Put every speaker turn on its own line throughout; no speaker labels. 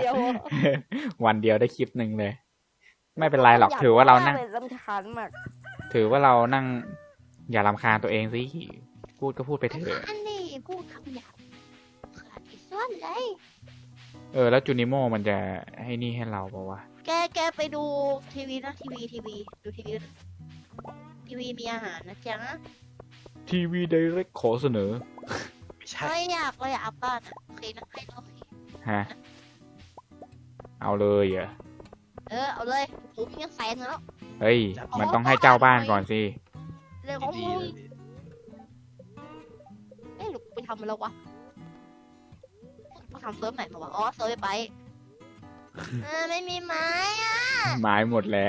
เดียว
วันเดียวได้คลิปหนึ่งเลย ไม่เป็นไรหรอกถือว่าเรานั่ง
รำคาญมาก
ถือว่าเรานั่ง อย่ารำคาญตัวเองสิพูดก็พูดไปเถอะ
อันนี้พูดคำหยาบขาดอีกส่วนเลย
แล้วจูนิโมมันจะให้นี่ให้เราเปล่าวะ
แกไปดูทีวีนะทีวีดูทีวีมีอาหารนะจ๊ะ
ทีวีไดเรกขอเสนอ
ไม่ใช่
ไม่อยากเลยอัพบ้านอ่ะโอเคนะให้โอเค
ฮะ เอาเลยเหรอ
เอาเลยผมยังแสนแล้ว
เฮ้ย มันต้องให้เจ้าบ้านก่อนสิ
เรื่องของ
ดี
มึง
เลย
หรือไปทำมันแล้ววะกูทำเซิร์ฟไหนมาวะอ๋อเซิร์ฟไปไม่มีไม้อ่ะ
ไม้หมดแล้ว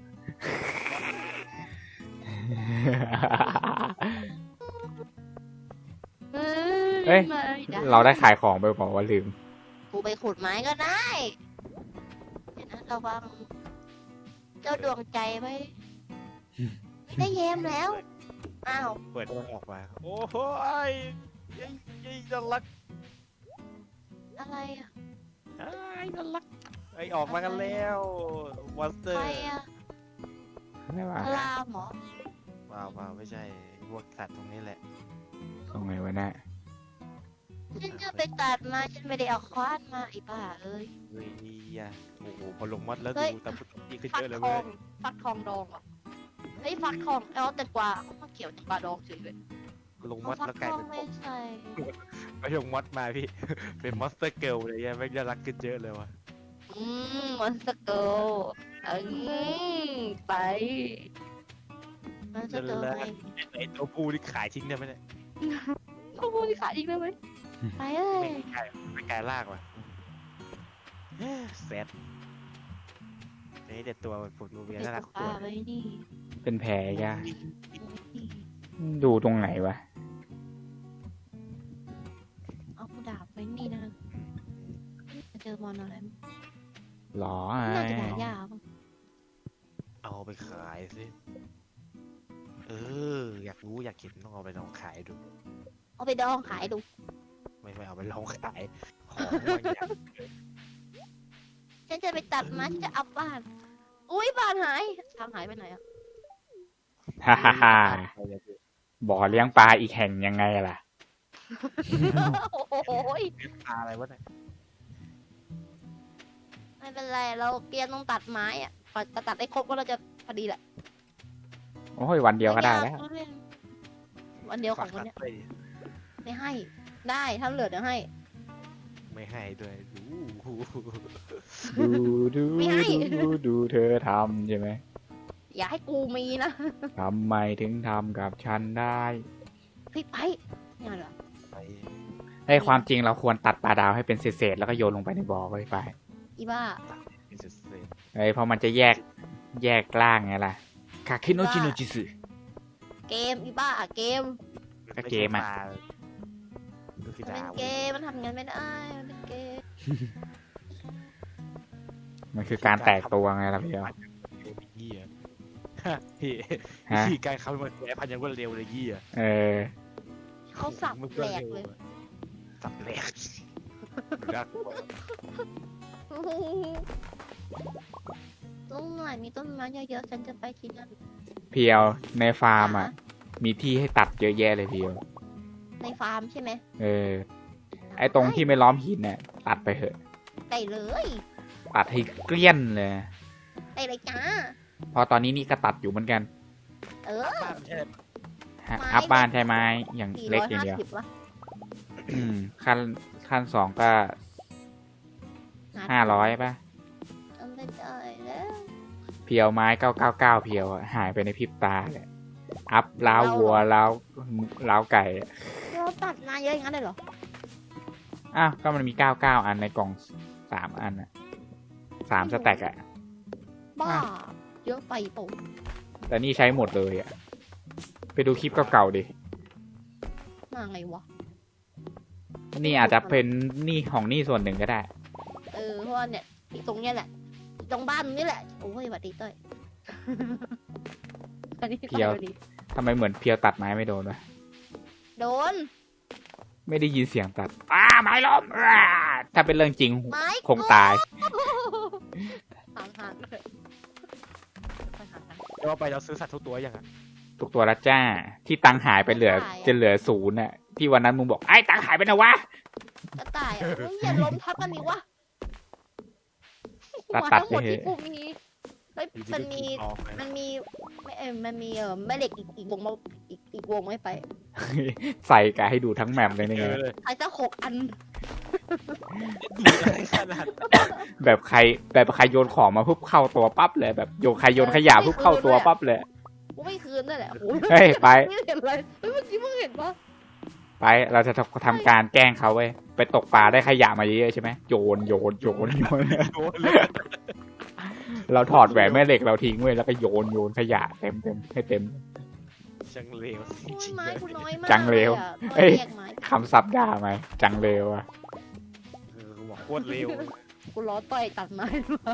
เอ้ย เราได้ขายของไปบอกว่าลืม
กูไปขุดไม้ก็ได้เดี๋ยวนะระวังเจ้าดวงใจไว้ได้เยมแล้ว อ้าว
เปิดมันออกมาโอ้โหยัยน่ารัก
อะไรอ่ะ
น่ารักออกมากันแล้วมอนสเตอ
ใค
ร์
รอ่ะ
ไม่ว่า
พลามเหรอ
ว้าวไม่ใช่พวกสัตว์ตรงนี้แหละ
ตรงไหนวะเนี่ย
ฉันจะไปตัดมาฉันไม่ได้เอาค้อนมาไอ้บ้าเอ้ย
เฮ้ยโอ้โหพอลงมัดแล้ว
เฮ้ย
ดูตะพุตะพีขึ้น
ฟั
เย
ก
อะเลย
ท
เว้
อย งฟักทองดองเหรอเฮ้ยฟักทองแต่กวาเขามาเกี่ยวแต่กวาดองเฉยเลย
ลงมัด
ฟั
แล้วกลาย
ทอง
เป็น
ไม่ใส่
ไปลงมัดมาพี่ เป็นมอนสเตอร์เกิลเลยไม่น่ารักขึ้นเยอะเลยวะ
มันสเกิลไปมันสเกิลไป
ไอตัวผู้ที่ขายทิ้งได้ไหมเนี่ย
เขาพูดขายอีกได้ไหมไปเอ้ย
ไม่กลายลากว่ะแซดนี่แต่ตัวมันปวดมือเบีย
เป็น
น่ารัก
ป
ตัว
ลาไว้นี่
เป็นแผลยะดูตรงไหนวะ
เอาดาบไว้นี่นะเจอมอนอะไร
หรอ
น่าจะหายาก
เอาไปขายสิอยากรู้อยากเห็นต้องเอาไปลองขายดู
เอาไปดองขายดู
ไม่เอาไปลองขายของบางอย่าง
ฉันจะไปตัดไม้ฉันจะอัพบ้าน อุ้ยบ้านหายทางหายไปไหนอ่ะ
ฮ่าฮ่าฮ่าบ่อเลี้ยงปลาอีกแห่งยังไงล่ะ
โอ้โห
ปลาอะไรวะเนี่ย
ไม่เป็นไรเราเกียร์ต้องตัดไม้อ่ะกว่าจะตัดได้ครบก็เราจะพอดีแหละ
โอ้ยวันเดียวก็ได้แล้ว
วันเดียวของวันเนี้ย
ฝากตัดด้วย
ไม่ให้ ได้ถ้าเหลือเดี๋ยวให้
ไม่ให้ด้วยดู
ดู
ไม่ให้
ดูเธอทำใช่ไหม
อย่าให้กูมีนะ
ทำไมถึงทำกับฉันได้
พี่ไปเนี่ยเหรอ
ไป
ให้ความจริงเราควรตัดปลาดาวให้เป็นเศษๆแล้วก็โยนลงไปในบ่อไป
อีบ้า
เป็นเศษ
เพราะมันจะแยกล่างไงล่ะคาคิโนจิโนจิสึ
เกมอีบ้าเกม
ก็เกมอะ
ก็คือ
มันเป็น
ดาว
เกมมันทำงานไม่ได้มันเป็นเกม
มันคือการแตกตัวไงล่ะพี่เดียว
เหี้ยพี่
ฮะ
พี่การเข้ามาแก้พันยังรวดเร็วเลยเหี้ย
เขาสับแหลกเลย
สับแหลกรัก
ตรงไหนมีต้นไม้เยอะๆฉันจะไปที่นั่น
เพียวในฟาร์มอ่ะ มีที่ให้ตัดเยอะแยะเลยเพียว
ในฟาร์มใช่ไหม
ไอ้ตรงที่ไม่ล้อมหินเนี่ยตัดไปเถอะ
ได้เลย
ตัดให้เกลี้ยนเลย
ได้เลยจ้า
พอตอนนี้นี่ก็ตัดอยู่เหมือนกัน
บ้านใช่
อัพบ้านใช่ไหมอย่างเล็กอย่างเดียว
450วะ
ขั้นสองก็500ป่ะ
จำไม่ได้แล้ว
เพียวไม้999เพียวอะหายไปในพริบตาเลยอัพล้าววัวล้าวไก่อะ
เราตัดมาเยอะอย่างนั้นเลยเหรอ
อ้าวก็มันมี99อันในกล่อง3อันอะ3สแต็กอะ
บ้า เยอะไปเปล่า
แต่นี่ใช้หมดเลยอะไปดูคลิปเก่าๆดิ
มาไงวะ
นี่อาจจะเป็นนี่ของนี่ส่วนหนึ่งก็ได้
เพราะว่าเนี่ยตรงเนี้ยแหละ ตรงบ้านนี่แหละ โอ้ยสวัสดีเต้ย อันนี้
เพียว
สวัสดี
ทำไมเหมือนเพียวตัดไม้ไม่โดนวะ
โดน
ไม่ได้ยินเสียงตัดไม้ล้มถ้าเป็นเรื่องจริง
ไม้
คงตาย
ห่างๆเลยไปห่าง
เดี๋ยวเอาไปเราซื้อสัตว์ทุกตัวยังอ่ะ
ทุกตัวละจ้า ที่ตังค์หายไปเหลือ จะเหลือ0น่ะ ที่วันนั้นมึงบอกไอ้ตังค์หายไปนะวะ
ๆกระต่ายอ่ะเฮ้ยอย่าล้มทับกันดิวะ
ตัด
หัวทั้งหมด
ไปเถ
ที่
อะ
กูมีเฮ้ยมันมี
ออกไป
มันมีแม่เหล็กอีกวงมาอีกวงไม่ไป
ใส่กะให้ดูทั้งแมปเลยนี่
เจ
ไง
อเลย
ใครสัก6 อัน
ดูอะไรขนาดนั้น
แบบใครโยนของมาปุ๊บเข้าตัวปั๊บเลยแบบใครโยนขยะปุ๊บเข้าตัวปั๊บเลย
กูไม่คืนด้วยแหละโอ้ย
เฮ้ยไป
ไม่เห็นอะไรเฮ้ยเมื่อกี้มึงเห็นปะ
ไปเราจะทำการแกล้งเขาเว้ยไปตกปลาได้ขยะมาเยอะๆใช่ไหมโยน
โดนเลย
เราถอดแหวนแม่เหล็กเราทิ้งเว้ยแล้วก็โยนขยะเต็มให้เต็ม
ช่างเลวจ
โอ้ย
ริงๆ
ไม้
เลย
กูน้อยมาก
จังเลว
อะ
เอ้ย
แยกไม้
คำศัพท์ด่าไหมจังเลวอะ
กูบอกโคตรเลว
กูล้อต่อยตัดไม้มา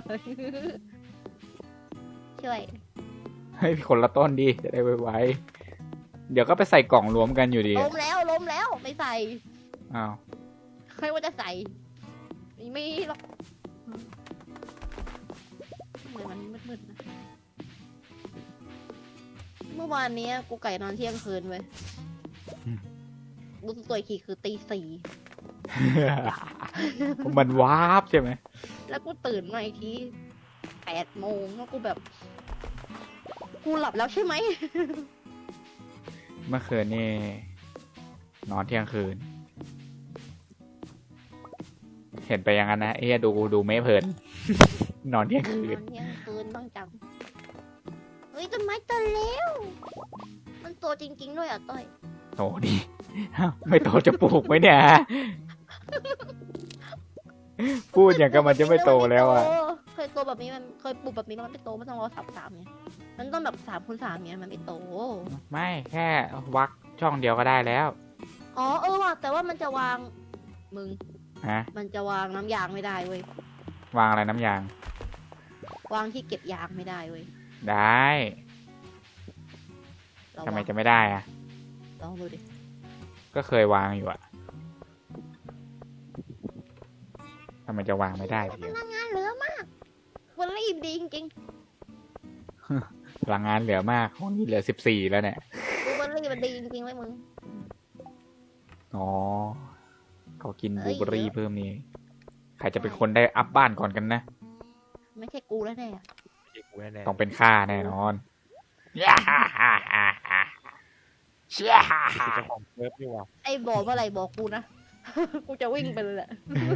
ช่วย
ให้คนละต้นดีจะได้ไวๆเดี๋ยวก็ไปใส่กล่องรวมกันอยู่ดี
ล้มแล้วไม่ใส่
อ้าว
ใครว่าจะใส่ไม่หรอกทำไมมันมืดๆนะเมื่อวานนี้กูไก่นอนเที่ยงคืนเว้ยรู้สึกตัวอีกทีคือตี 4
มันวาบใช่ไหม
แล้วกูตื่นมาอีกที8 โมงแล้วกูแบบ กูหลับแล้วใช่ไหม
เมื่อคืนนี่นอนเที่ยงคืน เห็นไปอย่างนั้นนะเอ้ยดูไม่เพลิน นอนเที่ยงคืน
นอนเที่ยงคืนบ้างจังเฮ้ยต้นไม้โตแล้ว มันโตจริงๆด้วยอ่ะต้อย
โตดิ ไม่โตจะปลูกไหมเนี่ย พูดอย่างกับมันจะไม่โตแล้วอ่ะ
เคยโตแบบนี้มันเคยปลูกแบบนี้มันไม่โตมันต้องรอ3 ไงมันต้องแบบ3 คูณ 3เนี่ยมันไม่โต
ไม่แค่วักช่องเดียวก็ได้แล้ว
อ๋อว่ะแต่ว่ามันจะวางมึง
ฮะ
มันจะวางน้ำยางไม่ได้เว้ยว
างอะไรน้ำยาง
วางที่เก็บยางไม่ได้เว้ย
ได้
เรา
ทำไม
วาง
จะไม่ได้อ่ะ
ลองดูดิ
ก็เคยวางอยู่อ่ะทำไมจะวางไม่ได้
พ
เพียว
ลังงานเหลือมากวันรีบดีจริง
พลังงานเหลือมากของนี่เหลือ14แล้วเนี่ย
ๆดูวันรีบมันดีจริงๆเลยมึง
อ๋อเขากิน
เอ้
บลู
ย
เบอร์รี่เพิ่มนี่ใครจะเป็นคนได้อัพบ้านก่อนกันนะ
ไม่ใช่กูแล้วแน่อะ
เจ๊กูแน่
ต้องเป็นข้าแน่นอนย่าฮ่าฮ่าฮ่าฮ่าเชี่ยฮ่า
ๆ
ฮ่า
คือเจ้าของเซิร์ฟนี่หว่า
ไอ้บอกเมื่อไหร่บอกกูนะ กูจะวิ่งไปเลยแหละ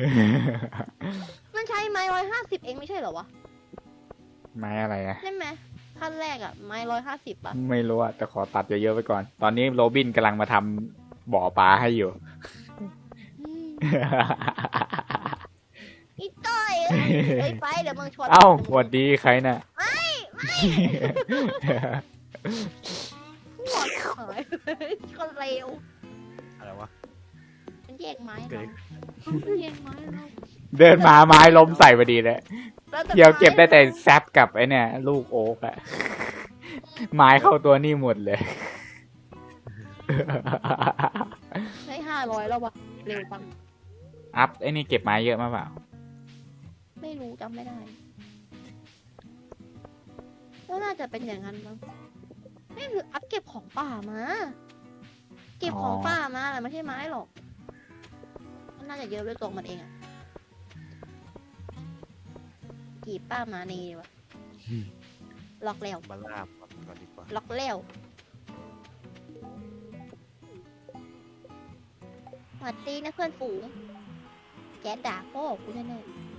มันใช้ไม้150เองไม่ใช่เหรอวะ
ไม้อะไรอะ
ใช่ไหมขั้นแรกอะไม้150อะ
ไม่รู้อะแต่ขอตัดเยอะๆไปก่อน ตอนนี้โรบินกำลังมาทำบ่อปลาให้อยู่
อืมอีต้อยเอ้ยไปเดี๋ยวมึงชวน
เอ้าหวัดดีใครน่ะ
หัวหายเลยคนเลว
อะไรวะ
มันแยกไม้
เกิ
เรา
ด
มันแยกไม้เรา
เดินมาไม้ล้มใส่พอดีเลย
แล้วแต่
เดี๋ยวเก็บได้แต่แซปกับไอ้เนี่ย ลูกโอ๊กอะไม้เข้าตัวนี่หมดเลย
ได้500แล้ววะเร็วจัง
อัพไอ้นี่เก็บไม้เยอะมากเปล่า
ไม่รู้จำไม่ได้ก็น่าจะเป็นอย่างนั้นมั้งนี่คืออัพเก็บของป่ามา เก็บของป่ามาแหละไม่ใช่ไม้หรอกมันน่าจะเยอะด้วยตัวมันเองอะกีบป้ามานี่ดีวะล็อกแล้ว
มาล่ามันก่อนดีกว่า
ล็อกแล้วสวัสดีนะเพื่อนฝูง แกด่าพ่อกูแน่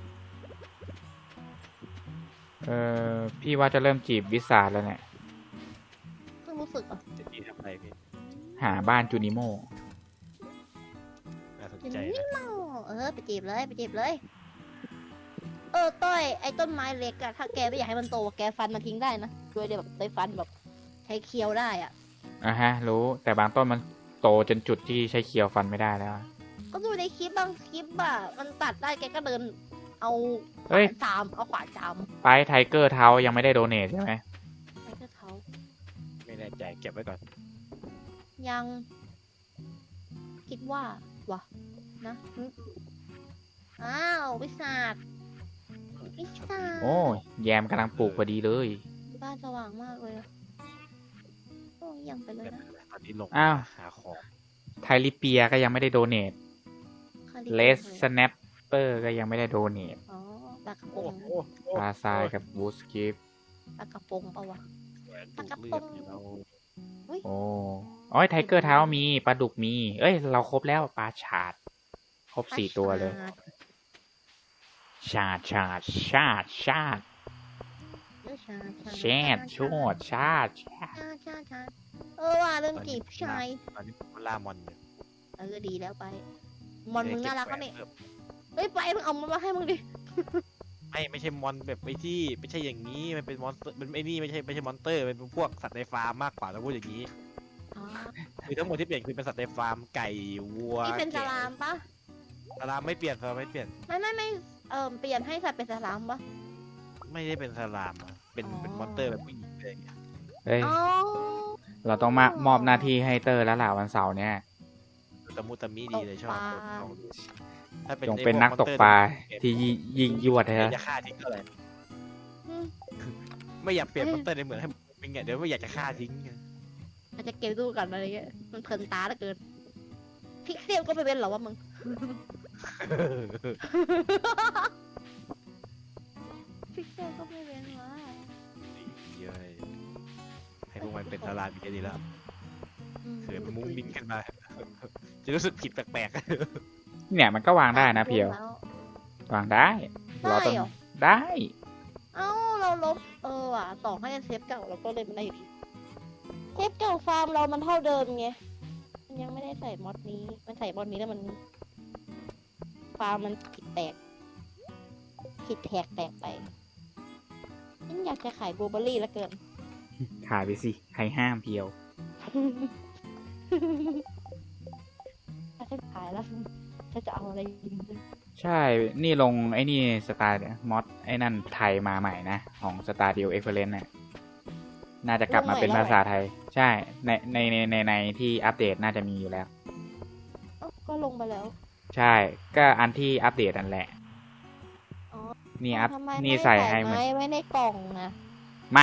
พี่ว่าจะเริ่มจีบวิสาแล้วเนี่ย
ๆเพิ่งรู้สึกอ่ะ
จะดีทำไรพี่
หาบ้านจูนิโม
น่าสน
อย่าง
ใจ
นี้
นะ
เมาไปจีบเลยไปจีบเลย ต้อยไอ้ต้นไม้เล็กอะถ้าแกไม่อยากให้มันโตแกฟันมันทิ้งได้นะโดยเดี๋ยวแบบใช้ฟันแบบใช้เคี้ยวได้อะ
อ่ะฮะ รู้แต่บางต้นมันโตจนจุดที่ใช้เคียวฟันไม่ได้แล้วอะ
ก็ดูในคลิปบางคลิปอะมันตัดได้แกก็เดิน เอาข
เฮ้
วาย นจามเอาขวานจาม
ไปไทเกอร์เท้ายังไม่ได้โดเนทใช่ไหม
ไปก็เขา
ไม่แน่ใจเก็บไว้ก่อน
ยัง คิดว่าวะนะอ้าววิสาดวิสาด
โอ้ยแยมกำลังปลูกพอดีเลย
บ้านสว่างมากเลยอะโอ้ยยังไปเลยนะ
ตอนนี้ลง
อ้าว
หาของ
ไทลิเปียก็ยังไม่ได้โดเนท
คาริ
เลส
เลย
สแนปเปอร์ก็ยังไม่ได้โดเนท
อ๋อปลากระพ
โอ้
ง
โห
ปลาทรายกับบูสกิฟ
ปลากระพงเปล่าวะ
แหวนดูดเลือดเนี่ยเรา
โอ้โอ้ยไทเกอร์เท้ามีปลาดุกมี เอ้ย เราครบแล้วปลาฉาด ครบ4 ตัวเลย ชาดชาดชาดชาด แชดโชดชาดชาด
ชาว่าเรื่องจีบผู้ชาย
ตอนนี้ผมล่ามอนอยู่
ดีแล้วไป มอนมึงน่ารัก
เก็
ก็
บ
เนี่ย
แหวน
เฮ้ยไปมึงเอามันมาให้มึงดิ
ไม่ใช่มอนแบบไอ้ที่ไม่ใช่อย่างนี้มันเป็นมอนสเตอร์มันไอ้นี่ไม่ใช่มอนเตอร์มันเป็นพวกสัตว์ในฟาร์มมากกว่าเราพูดอย่างนี้
อ๋อ
คือทั้งหมดที่เปลี่ยนคือเป็นสัตว์ในฟาร์มไก่วัว
นี่เป็นส
แกะ
ลามปะ
สลามไม่เปลี่ยนสลามไม่เปลี่ยน
ไม่เปลี่ยนให้สัตว์เป็นสลามปะ
ไม่ได้เป็นสลามอะเป็น
อ๋อ
เป็นมอนเตอร์แบบผู้หญิงอะไรอย่างเงี้ย
เฮ้ย
อ๋อ
เราต้องมามอบหน้าที่ให้เตอร์แล้วล่ะวันเสาร์เนี่ย
ตะมุตะมิดีเลยชอบ
ตกปลา
ลองดูถ้าเป็น
จงเป็นนักตกปลาที่ยิงยวด
ไม่
เถอะ
จะฆ่าทิ้งเท่าไหร่
อืม
ไม่อยากเปลี่ยนมอนเตอร์ในเหมือนให้เป็นไงเดี๋ยวไม่อยากจะฆ่าทิ้งไง
อาจจะเก็บดูกันอะไรเงี้ยมันเพลินตาเหลือเกินพิกเซลก็ไม่เป็นหรอวะมึง พิกเซลก็ไม่เป็นวะ
เยอะเลยให้พวกมันเป็นสลามอีกดีแล้วเผื่อมันมุ้งมิ้งขึ้นมา จะรู้สึกผิดแปลก
เนี่ยมันก็วางได้นะเพียว วางได้ เราต้อง
ได้เหรอ
ได้
เอ้าเราลบว่ะต่อให้เซฟเก่าเราก็เลยไม่ได้อยู่ดีเซฟเก่าฟาร์มเรามันเท่าเดิมไงมันยังไม่ได้ใส่มอดนี้มันใส่มอดนี้แล้วมันฟาร์มมันผิดแตกแตกไปฉันอยากจะขายบลูเบอร์รี่แล้วเกิน
ขายไปสิ ใครห้ามเพียว
ถ้าฉันขายแล้วฉันจะเอาอะไรกิน
ใช่ นี่ลงไอ้นี่สตาร์มอดไอ้นั่นไทยมาใหม่นะ ของสตาร์ดิวเอ็กเพรนเนี่ยน่าจะกลับมาเป็นภาษาไทย ใช่ ในที่อัปเดตน่าจะมีอยู่แล้ว
ก็ลงไปแล้ว
ใช่ ก็อันที่อัปเดตนั่นแหละ
อ๋อ
นี่อัพ
ทำไม
นี่
ไม่
ใส่ให้มัน
ไว้ในกล่องนะ
ไม่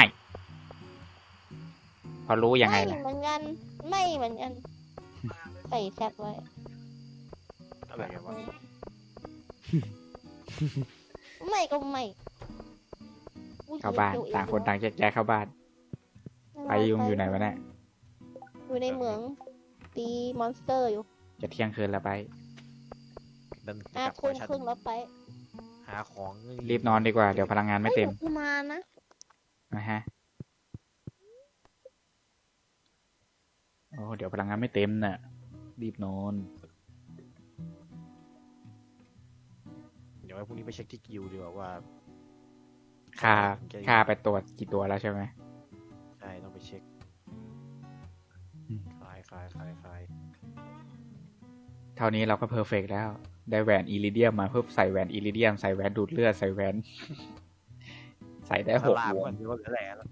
พอรู้ยังไง
ไม่
ล่ะ
เหมือนกันไม่เหมือนกันใส่แซดไว้
ๆอะไรกันวะ
ไม่ก็ไม่
เข้าบ้าน ต่างคนต่างแยกเข้าบ้าน ไปยุงอยู่ไหนวะเนี่ย
อยู่ในเหมืองตีมอนสเตอร์อยู่
จะเที่ยงคืนแล้วไป
ดัน
อ่ะ
กลับ
คุณ
ชั้น
ครึ่งแล้วไป
หาของ
รีบนอนดีกว่า เดี๋ยวพลังงานไม่เต็ม
กูมานะ
นะฮะ โอ้เดี๋ยวพลังงานไม่เต็มน่ะ รีบนอน
เดี๋ยวไว้พรุ่งนี้ไปเช็คที่กิลด์ดีกว่าว่า
ค่าไปตรวจกี่ตัวแล้วใช่ไหม
ใช่ต้องไปเช็ค
อืม
คลาย
เท่านี้เราก็เพอร์เฟกแล้ว ได้แหวนอิริเดียมมาเพิ่มใส่แหวนอิริเดียม ใส่แหวนดูดเลือด ใส่แหวน ใส่ได้
ส
6
ลาม
ว
ก่อง นดีว่าเหลือแหล่แล้ว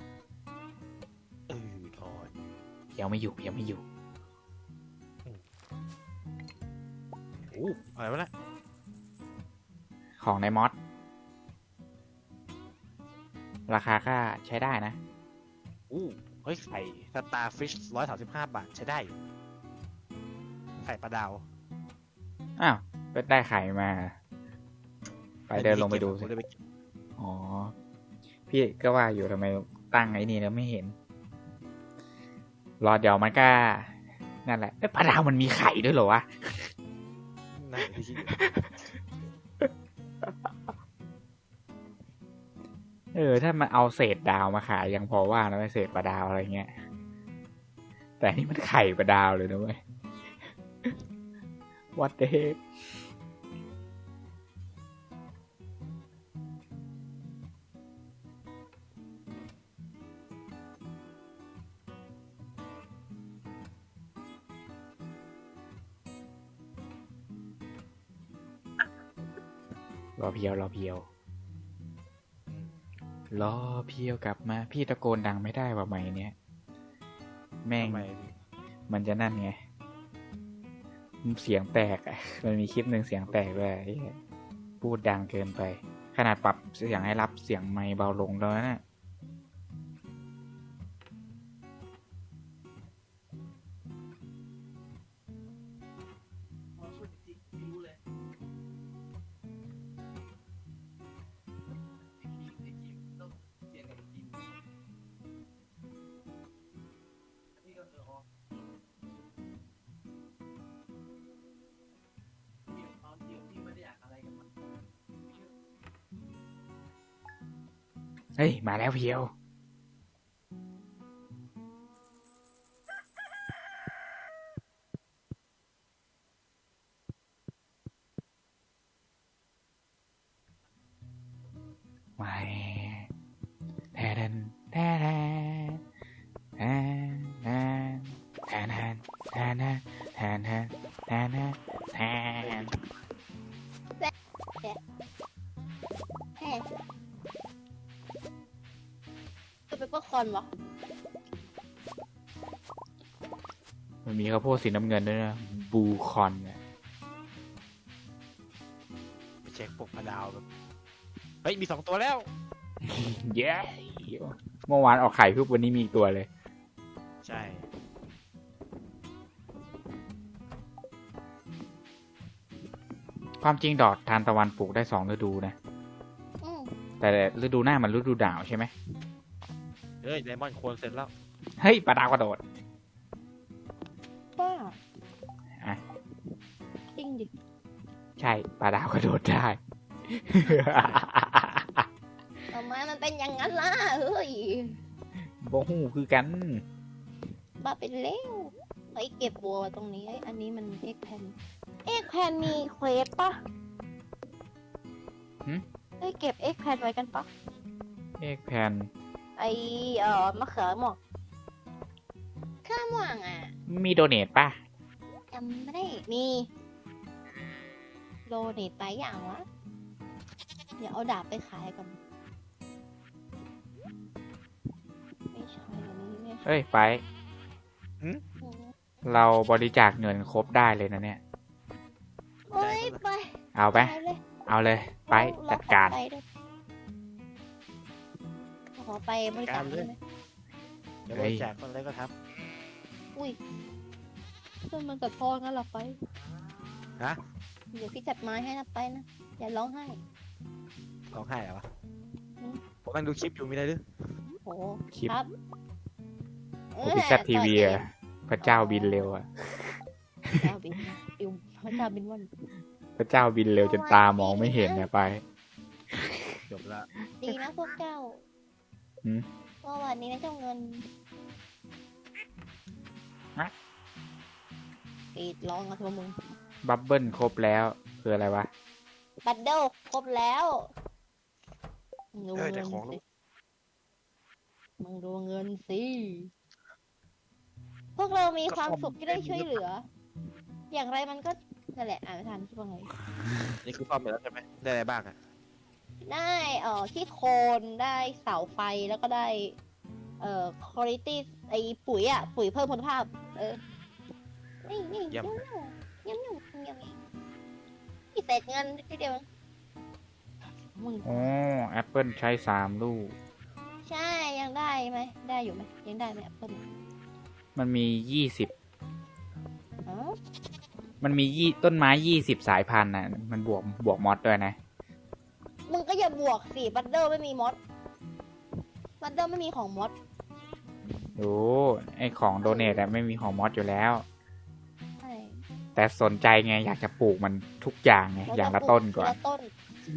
ถอน
ยังไม่อยู่ยังไม่อยู่
โอ้อะไรวะเนี่ย
ของในมอสราคาก็ใช้ได้นะ
เฮ้ยไข่สตาร์ฟิช135 บาทใช้ได้อยู่ไข่ปลาดาว
อ้าวไปได้ไข่มา ไปเดินลงไปดูสิ
ผมเลยไปเก็บ
อ๋อ พี่ก็ว่าอยู่ทำไมตั้งไอ้นี่แล้วไม่เห็น รอเดี๋ยวมันก็ นั่นแหละเอ้ยปลาดาวมันมีไข่ด้วยเหรอวะ
นั่นที่คิดอยู่
ถ้ามันเอาเศษดาวมาขายยังพอว่านะไม่เศษปลาดาวอะไรเงี้ย แต่นี่มันไข่ปลาดาวเลยนะเว้ย What the heck รอเพียว รอเพียวกลับมา พี่ตะโกนดังไม่ได้ว่าไหมเนี่ย แม่ง
ทำไม
มันจะนั่นไงเสียงแตกอะมันมีคลิปหนึ่งเสียงแตกด้วยไอ้เหี้ยพูดดังเกินไป ขนาดปรับเสียงให้รับเสียงไมค์เบาลงแล้วนะ เฮ้ย มาแล้วเพียว มาแทนแทนแทนแทนแทนแทนแทนแทนแทนแทนแทน
แฮ่จะเป็นเปอร์คอนวะ
มันมีข้าวโพดสีน้ำเงินด้วยนะบูคอนเนี่ย
ไปเช็คปกพะดาวแบบเฮ้ยมี2 ตัวแล้ว
เย้เมื่อวานออกไข่ปุ๊บวันนี้มีอีกตัวเลย
ใช่
ความจริงดอกทานตะวันปลูกได้2 ฤดูนะ
อืม
แต่ฤดูหน้ามันฤดูหนาวใช่ไหม
เฮ้ยไดมอนด์โคนเสร็จแล้ว
เฮ้ยปลาดาวกระโดด
บ้า
อ่ะ
จริงดิ
ใช่ปลาดาวกระโดดได้
ทำไมมันเป็นอย่างนั้นล่ะเฮ้ย
โบหูคือกัน
บ้าไปแล้วไอ้เก็บบัวตรงนี้ไอ้อันนี้มันเอ็กแพนมีเควสปะ
หึ
ไอ้เก็บเอ็กแพนไว้กันปะ
เอกแพน
ไอ้มะเขือหมอกข้ามว่างอ่ะ
มีโดเนทป่ะ
จำไม่ได้มีโลเนตไปอย่างวะเดี๋ยวเอาดาบไปขายก่อนไม่ใช่อันนี้ไม่ใช่
เอ้ยไป เราบริจาคเงินครบได้เลยนะเนี่ย
เฮ้ยไป
เอาไป
ไปเลย
เอาเลย ไปจัดการ
เอขอไปบริจาคได้ไหม
เดี๋ยวบริจาคคนอะไรก็ท
อุ้ยเพื่อนมันกับพ่องั้นเราไป
ฮะ
เดี๋ยวพี่จัดไม้ให้นะไปนะอย่าร้องไห้
ร้องไห้เหรอวะ
อืม
ผมนั่งดูคลิปอยู่มีอะไรหรือ
โอ้
คลิป
ครับ
โอพิซัตทีวีอะพระเจ้าบินเร็วอะ
พระเจ้าบินอิวพระเจ้าบินวัน
พระเจ้าบินเร็วจนตามองไม่เห็นเนี่ยไป
จบละ
ดีนะพวกเจ้า
หืม
เมื่อวานนี้นะเจ้าเงิน
ฮะ
กรีดร้องกับตัวมึง
บับเบิ้ลครบแล้วคืออะไรวะ
บัตเดิลครบแล้วมึงดู
แต่
เงิน
ของ
สิมึงดูเงินสิพวกเรามีความสุขที่ได้ช่วยเหลือ อย่างไรมันก็นั่นแหละอ่านไม่ทันที่ว่าไง
นี่คือซ่อมไปแล้วใช่ไหมได้อะไรบ้างอะ
ได้ที่โคนได้เสาไฟแล้วก็ได้คุณภาพไอ้ปุ๋ยอ่ะปุ๋ยเพิ่มคุณภาพ นี่เยี่ยมนี่เศษเงินทีเดียวมึง
อ๋อแอปเปิลใช้3 ลูก
ใช่ยังได้ไหมได้อยู่ไหมยังได้ไหมแอปเปิ้ล
มันมี20
อ๋อ
มันมีต้นไม้20 สายพันธุ์น่ะ มันบวกมอดด้วยนะ
มึงก็อย่าบวกสิบัตเดอร์ไม่มีมอดบัตเดอร์ไม่มีของมอด
โอ้ไอของโดเนทอะไม่มีของมอดอยู่แล้ว
ใช่
แต่สนใจไงอยากจะปลูกมันทุกอย่างไงอย่างละต้นก่อน
ละต้น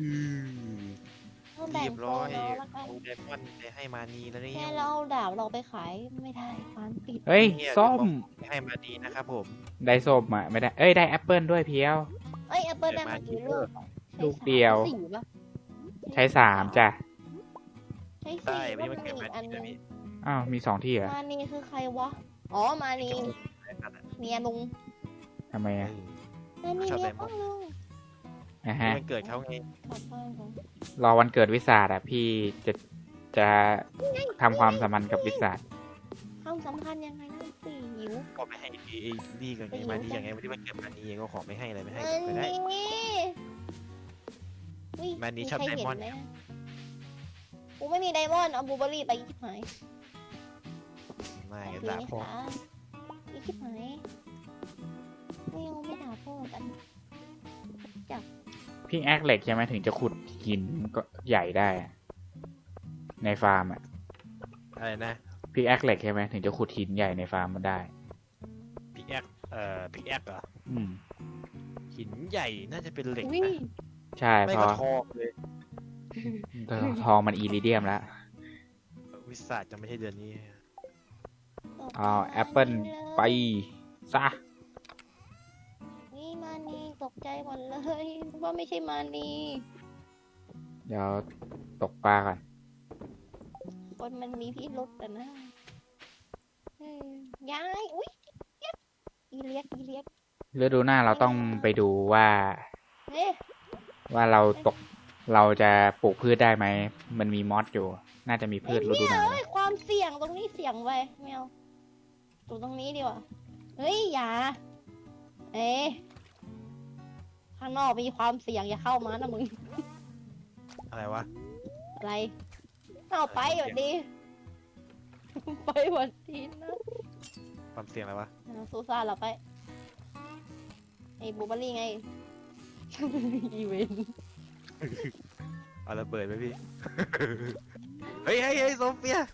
ต้องแบ่
เรี
ง
ยบ
โซ
ร้อย
นเอาละกัน
เอาไดมอนด์ไปให้มานีแล้วนี่
แค่เราเอาดาบเราไปขายไม่ได้ร้านปิด
เฮ้ย ส้ม
ให้มานีนะครับผม
ได้ส้มอะไม่ได้ เอ้ย ได้แอปเปิลด้วยเพียว
เอ้ยแอปเปิ้ลได้มากี่ลูกอะ
ลูกเดียว
ใช้สี่ปะ
ใช้3จ้ะ
ใช้
ได้
สี่
ไม่
ว่า
ได้
มั
มัน น
มี
เกิด
อีกอัน
มานี
นึ
นะ
ง
พี่
อ้าวมี2 ที่เหรอ
มานีคือใครวะอ๋อมานีเมียลุง
ทำไมอะ
มานีเมียพ่อลุง
นะฮะ
มันเกิดเขาไง
ขอบคุณครับ
รอวันเกิดวิสาดอะพี่จะทำความสัมพันธ์กับวิสาด
ความสัมพันธ์ยังไงนั่นสิหิวหิว
ก็ไม่ให้ไอ้นี่กันไง
ไม่รู้
มานี่ยังไงวันที่มันเกิดมานี่เองก็ขอไม่ให้อะไรไม่ให้
อัน
ก็ได้
นี้อุ๊ย
มันนี่ชอบ
ใครเห็
ไดมอนด์
ไหกูไม่มีไดมอนด์เอาบลูเบอร์รี่ไปชิบหาย
ไม่
โอ
กัน
เค
ด่า
ไหม
พ่อ
คะอีชิบหายไม่เอาไม่ด่าพ่อกัน
พี่แอคเหล็กใช่ไหมถึงจะขุดหินก็ใหญ่ได้อะในฟาร์มอ่ะ
อะไรนะ
พี่แอคเหล็กใช่ไหมถึงจะขุดหินใหญ่ในฟาร์มมันได้
พิกแอคพิกแอคเหรอ
อืม
หินใหญ่น่าจะเป็นเหล็ก
อุ้ย
นะ
ใช่
ไม่
เพ
ก็
ราะ
ทองเลย
ทองมันอีริเดียมแล้ว
วิสาจะไม่ใช่เดือนนี้
เอาแอปเปิลไปซะ
นี่มานีตกใจหมดเลยว่าไม่ใช่มานี
เดี๋ยวตกปลาก่อน
คนมันมีพิรุษแต่นะย้ายอุ้ยอีเลียกอีเลียก
ฤดูหน้าเราต้องไปดูว่า
เฮ้ย
ว่าเราจะปลูกพืชได้ไหม มันมีมอสอยู่ น่าจะมีพืชฤดูหนาว
เฮ้ยความเสี่ยงตรงนี้เสี่ยงไปไม่เอาตรงนี้ดีกว่าเฮ้ยอย่าเอ๊ะข้างนอกมีความเสี่ยงอย่าเข้ามานะมึง
อะไรวะ
อะไรเอาไปหวัดดี ไปหวัดดีนะ
ความเสี่ยงอะไรวะ
ซูซ่าเราไปไอ้บลูเบอร์รี่ไง อีเวนต์
เอาระเบิดไปพี่ เฮ้ยเฮ้ยเฮ้ยโซเฟีย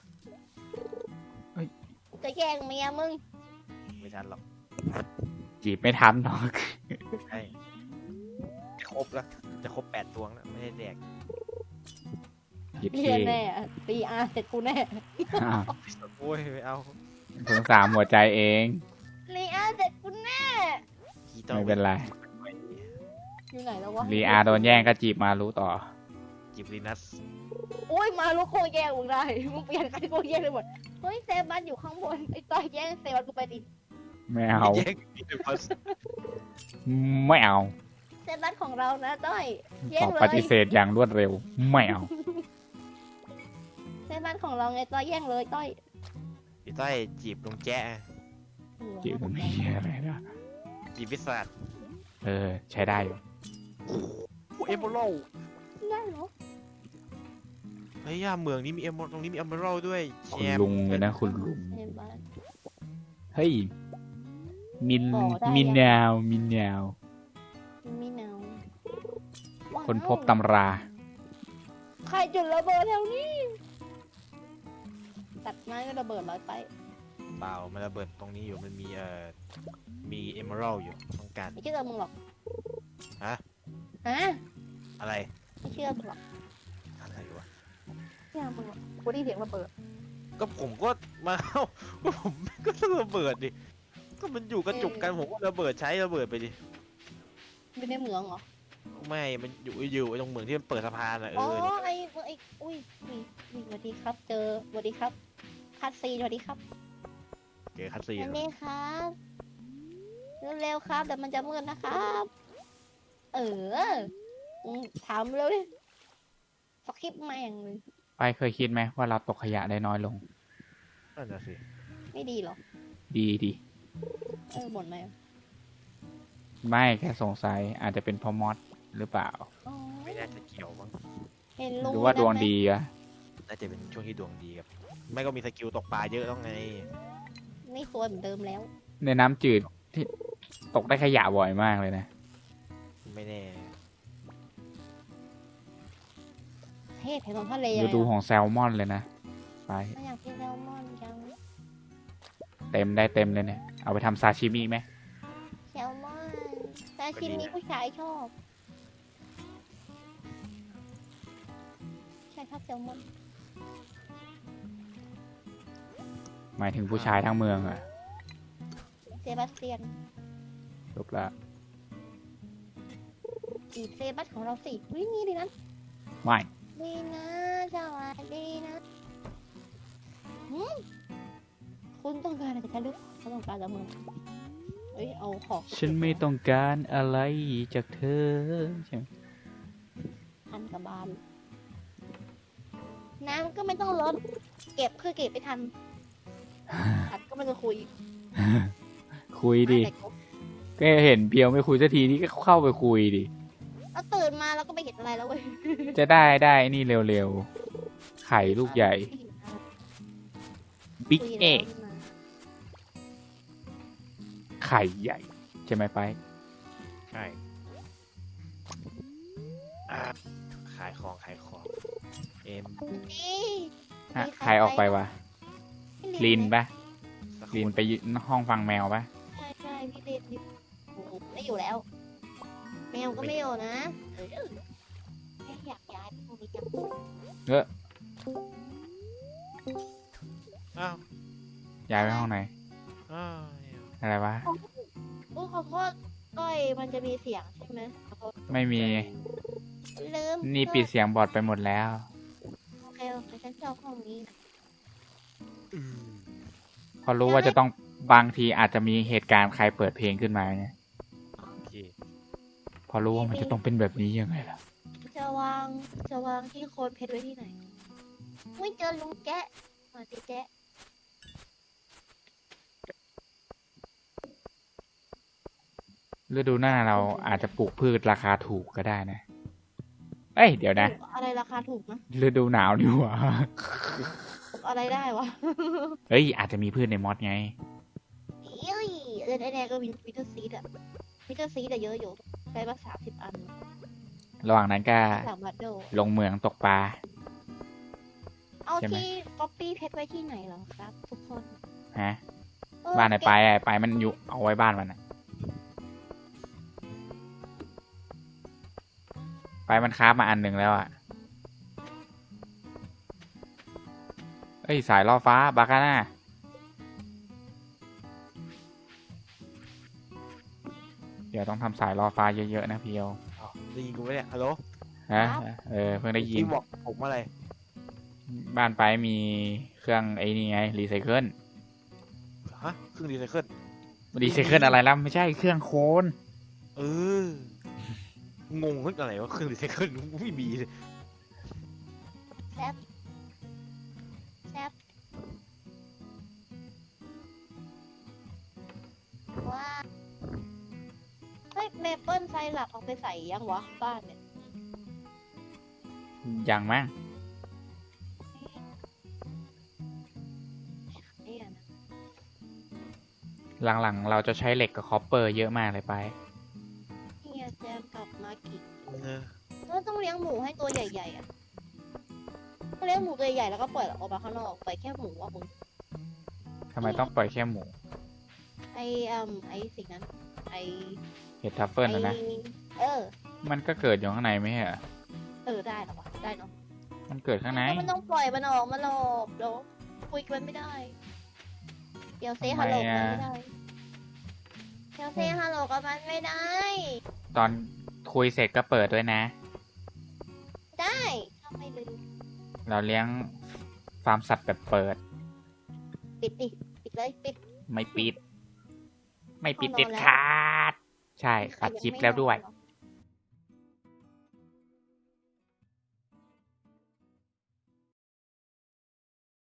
จะแย่งเมียมึง
ไม่ทันหรอก
จีบไม่ทันหรอก
ใช่จะครบแล้วจะครบ8 ตัวแล้วไม่ได้แดก
หยิบ
เรี
ที
ยนแน่ตีอาเสร็จกูแน่
อ้าว
โอ้ยไม่เอา
สงสารหัวใจเอง
ลีอาเสร็จกูแน่
ขี้ต้อง
ไม่เป็นไร
อยู่ไหนแล้ววะ
รีอาโดนแย่งก็จีบมารู้ต่อ
จิบลินัส
โอ้ยมาลูกโคแย่งมึงได้มึงเปลี่ยนใครโคแย่งเลยหมดเฮ้ยเซบัสอยู่ข้างบนไอ้ต้อยแย่งเซบัสกูไปดิ
ไม่เอา
แย่งจิบลินัส
ไม่เอา
เซบัสของเรานะต้อยแย่
ต
ง
อบ
เล
ป
ย
ฏิเสธอย่างรวดเร็ว ไม่เอา
เซบัสของเราไงต้อยแย่งเลยต้อย
พี่ต้อยจีบลุงแจ๊ะ
จีบตรงนี้อะไรนะ
จีบวิสา
เออ ใช้ได้อยู่
โอ้เอมเบอรัล
ได้เหรอ
เฮ้ยย่าเมืองนี้มีเอมตรงนี้มีเอมเบอรัลด้วยแช
คุณ
มป์
ลุงเลยนะคุณลุง
เซบัส
เฮ้ย มิน
ต่อได้
มิน
ยัง
แนว มินแนว
มีหนาวว้าว
คนพบตำรา
ใครจุดระเบิดแถวนี้ ตัดไม้ก็ระเบิดลอยไป
เปล่ามันระเบิดตรงนี้อยู่มันมีมีเอมเบอรัลอยู่ต้องการ
ไม่เชื่อมึงหรอก
ฮะ
ฮะ
อะไร
ไม่เชื่อมึงหรอก
อะไรวะ
ไม่เชื่อมึงหรอกกูได้เสียงระเบิด
ก็ผมก็มา ก็ผมก็ต้องระเบิดดิก็มันอยู่กระจุกกันผมก็ระเบิดใช้ระเบิดไปดิ
อยู่ในเหมืองเหรอ
ไม่มันอยู่ตรงเหมืองที่มันเปิดสะพานอ่ะ
อ๋อ
เออ
ไอ้อุ้ยนี่สวัสดีครับ เจอสวัสดีครับคัดซีนสวัสดีครับ
เจอคัสซีน
อันนี้ครับเร็วๆครับเดี๋ยวมันจะมืดนะครับ เออถามเร็วดิสคริปต์แม่งเลย
ไปเคยคิดไหมว่าเราตกขยะได้น้อยลง
นั่นน่ะสิ
ไม่ดีหรอ
ดีดี
บ่นไหม
ไม่แค่สงสัยอาจจะเป็นเพอมอสหรือเปล่า
อ๋อ
ไม่น่าจะเกี่ยวมั้ง
เห็น
ห
ลุง
รือว่าดวงดีอะ
น่าจะเป็นช่วงที่ดวงดีครับไม่ก็มีสกิลตกปลาเยอะต้องไง
ไม่สวยเหมือนเดิมแล้ว
ในน้ำจืดที่ตกได้ขยะบ่อยมากเลยนะ
ไม่แน่
เทศแถวทะเล
ฤดูของแซลมอนเลยนะ ไป
ไม่อยากกินแซลมอนจัง
เต็มได้เต็มเลยเนี่ย เอาไปทำซาชิมิไหม
แซลมอนแต่ชิมนี้ผู้ชายชอบใช่ชอบแซลมอน
หมายถึงผู้ชายทั้งเมืองอะ
เซบาสเตียน
จบละ
จีบเซบัสของเราสิวิ่งนี่ดีนะ
ไม่
ดีนะสวัสดีนะคุณต้องการอะไรจากฉันหรือเขาต้องการจากมึงเอ้ยเอาของ
ฉันไม่ต้องการอะไรจากเธอใช่ไหม
ทันกับบานน้ำก็ไม่ต้องลดเก็บคือเก็บไปทันอัดก็ไม่ต้องคุย
คุยดิ
แต่ก็
ก็เห็นเพียวไม่คุยสักทีนี่ก็เข้าไปคุยดิ
เราตื่นมาแล้วก็ไม่เห็นอะไรแล้วเว้ย
จะได้นี่เร็วๆ ไข่ลูกใหญ่ บิ๊ก
คุย
เอ
แล้ว
ก
นี่มา
ไข่ใหญ่ใช่ไหมไป
ใช่อ่ะขายของเอ็ม
นี่
ฮะ
มี
ใครออกไปวะ ลินปะ
สัก
ลิน
คน
ไปห้องฟังแมวปะ
ใช่พี่ลินโอ้โหไม่อยู่แล้ว แมวก็ไม่อยู่นะแค่อยากย้ายไปตรงนี้จัง
เออ
อ้าว
ย้ายไปห้องไหน
อ้าว
อะไรวะ
โอ้ขอโทษก้อยมันจะมีเสียงใช่ไหมขอโทษ
ไม่มี
ลืม
นี่ปิดเสียงบอดไปหมดแล้ว
โอเคฉันชอบห้องนี้นะ
อืม
พอรู้ว่าจะต้องบางทีอาจจะมีเหตุการณ์ใครเปิดเพลงขึ้นมาเนี่ย
โอเค
พอรู้ว่ามันจะต้องเป็นแบบนี้ยังไงล่ะ
จะวางที่โคนเพชรไว้ที่ไหนไม่เจอลุงแจ๊ะมาสิแจ๊ะ
ฤดูหน้าเราอาจจะปลูกพืชราคาถูกก็ได้นะ เอ้ย เดี๋ยวนะ
อะไรราคาถูกนะ
ฤดูหนาวนี่หว่า
อะไรได้วะ
เฮ้ย อาจจะมีพืชในมอสไง
เอ้ยเล่นไอแดงก็วิเตอร์ซีดอะวิเตอร์ซีดอะเยอะอยู่ได้มา30 อัน
ระหว่างนั้นก็
3 บาทโด
ลงเหมืองตกปลา
เอา
ใช่ไหม
ที่ก๊อปปี้เพชรไว้ที่ไหนเหรอครับ ทุกคน
ฮะ
เออ
บ้านไหน
เก็
ไปอ่ะไปมันอยู่เอาไว้บ้านมันอ่ะ ไปมันค้าฟมาอันหนึ่งแล้วอ่ะ เอ้ย สายล่อฟ้าบาคาน่า เดี๋ยวต้องทำสายล่อฟ้าเยอะๆนะพี่เอว
อ้าวได้ยินกูไหมเนี่ยฮัลโหล
ฮะ เพิ่งได้ยิน
พี่บอกผมอะไร
บ้านไปมีเครื่องไอ้นี่ไงรีไซเคิล
ฮะเครื่องรีไซเคิล
รีไซเคิลอะไรแล้วไม่ใช่เครื่องโคน
เออ งงว่าอะไรวะเครื่องรีไซเคิลไม่มีเลย
แซ่บว่าเฮ้ยเมเปิลไซรัปเอาไปใส่ยังวะบ้านเนี่ย
อย่างมั้ง
เนี่ยนะ
หลังๆ เราจะใช้เหล็กกับคอปเปอร์เยอะมากเลยไป
เนี่ยแจมกลับมากิน
เออ
ก็ต้องเลี้ยงหมูให้ตัวใหญ่ๆอ่ะก็เลี้ยงหมูตัวใหญ่ๆแล้วก็ปล่อยออกมาข้างนอกปล่อยแค่หมูอ่ะมึง
ทำไมต้องปล่อยแค่หมู
ไอสิ่งนั้น ไอ
เห็ดทัฟเฟิลนะนะ
เออ
มันก็เกิดอยู่ข้างในไม่ใช่เหรอ
ได้เหรอวะได้เนาะ
มันเกิดข้างใน
ก็มันต้องปล่อยมันออกมาหลอกเดี๋ยวคุยกันไม่ได้ เดี๋ยวเซฮัลโหลกันไม่ได้เดี๋ยวเซฮัลโหลกับมันไม่ได้
ตอนคุยเสร็จก็เปิดด้วยนะ
ได้ทำไมลืม
เราเลี้ยงฟาร์มสัตว์แบบเปิด
ปิดดิปิดเลยปิด
ไม่ปิด ไม่ปิด
เอานอน
เด็ด
แล้ว
ขาด ใช่ตัดคลิปแล้วด้วย
ใครงไม่นอนหรอ